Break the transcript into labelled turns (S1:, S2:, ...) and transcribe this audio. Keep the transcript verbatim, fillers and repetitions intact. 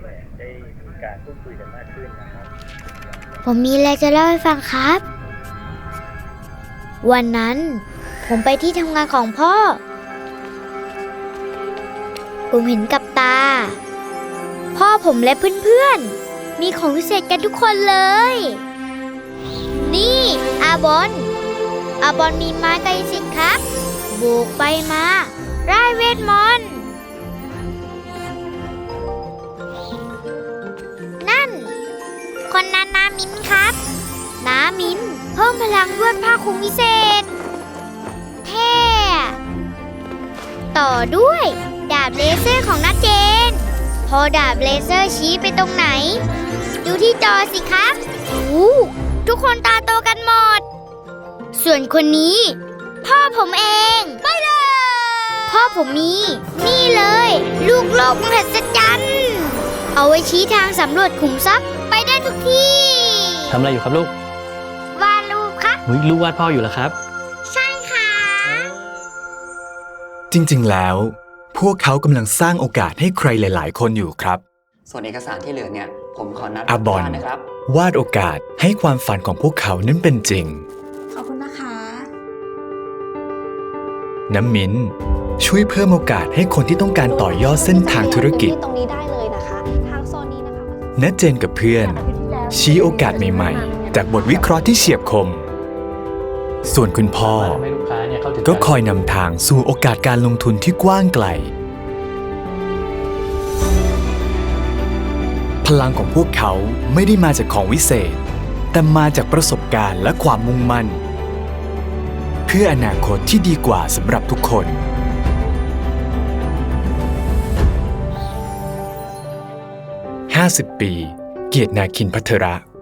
S1: ได้มีการพูดคุยกันมากขึ้นนะครับ
S2: ผมมีอะไรจะเล่าให้ฟังครับ วันนั้นผมไปที่ทำงานของพ่อ ผมเห็นกับตา พ่อผมและเพื่อนๆมีของพิเศษกันทุกคนเลย นี่อาบอนอาบอนมีไม้กายสิทธิ์ครับโบกไปมาร่ายเวทมนต์นั่นคนนั้นนามินครับนามินเพิ่มพลังด้วยผ้าคลุมพิเศษเท่ต่อด้วยดาบเลเซอร์ของน้าเจนพอดาบเลเซอร์ชี้ไปตรงไหนดูที่จอสิครับโอ้ทุกคนตาโตกันหมดส่วนคนนี้พ่อผมเองไปเลยพ่อผมมีนี่เลยลูกโลกมหัศจรรย์เอาไว้ชี้ทางสำรวจขุมทรัพย์ไปได้ทุกที่
S3: ทำอะไรอยู่ครับลูก
S2: วาดรูปครับ
S3: อุ๊ยลูกวาดพ่ออยู่เหรอครับ
S2: ใช่ค่ะ
S4: จริงๆ แล้ว พวกเขากำลังสร้างโอกาสให้ใครหลายๆ คนอยู่ครับ
S5: ส่วนเอกสารที่เหลือเนี่ยผมขอนัด
S4: อาบอน
S5: นะครับ
S4: วาดโอกาสให้ความฝันของพวกเขานั้นเป็นจริง
S6: ขอบคุณนะคะ
S4: น้ำมิ้นช่วยเพิ่มโอกาสให้คนที่ต้องการต่อยอดเส้นทางธุรกิจ
S6: ตรงนี้ได้เลยนะคะ ทางโซนนี้นะคะ
S4: ณเจนกับเพื่อน ชี้โอกาสใหม่ๆ จากบทวิเคราะห์ที่เฉียบคม ส่วนคุณพ่อ
S3: ให้ลูกค้าเนี่ยเข้าถึง
S4: ก็คอยนำทางสู่โอกาสการลงทุนที่กว้างไกล พลังของพวกเขาไม่ได้มาจากของวิเศษ แต่มาจากประสบการณ์และความมุ่งมั่น เพื่ออนาคตที่ดีกว่าสำหรับทุกคน ห้าสิบ ปี เกียรตินาคินภัทระ